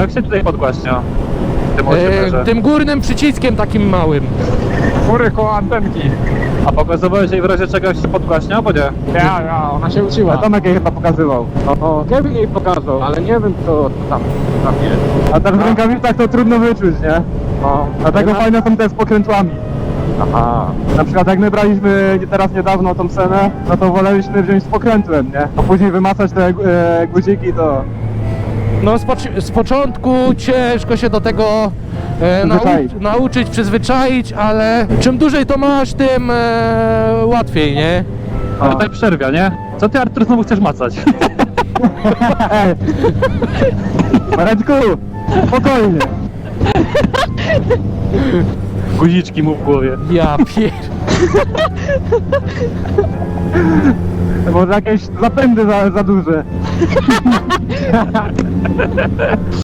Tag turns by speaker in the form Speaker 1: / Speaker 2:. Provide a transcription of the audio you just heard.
Speaker 1: jak się tutaj podgłaśnia? Tym osiemmerze.
Speaker 2: Tym górnym przyciskiem takim małym.
Speaker 3: Góry koło antenki.
Speaker 1: A pokazywałeś jej w razie czego jak się podgłaśnia, bo nie?
Speaker 3: Ja, ona się uczyła.
Speaker 4: Tomek jej chyba pokazywał.
Speaker 3: No, Kevin jej pokazał, ale nie wiem co tam jest.
Speaker 4: A tam w rękawicach to trudno wyczuć, nie?
Speaker 3: No,
Speaker 4: Dlatego fajne są te z pokrętłami.
Speaker 3: Aha.
Speaker 4: Na przykład jak my braliśmy teraz niedawno tą scenę, no to woleliśmy wziąć z pokrętłem, nie? A później wymacać te guziki to...
Speaker 2: No z początku ciężko się do tego
Speaker 4: Przyzwyczaić.
Speaker 2: nauczyć, przyzwyczaić, ale czym dłużej to masz, tym łatwiej, nie?
Speaker 1: Ale tak przerwia, nie? Co ty, Artur, znowu chcesz macać?
Speaker 4: Mareczku, spokojnie.
Speaker 1: Guziczki mu w głowie.
Speaker 2: Ja pier...
Speaker 4: Może jakieś zapędy za duże.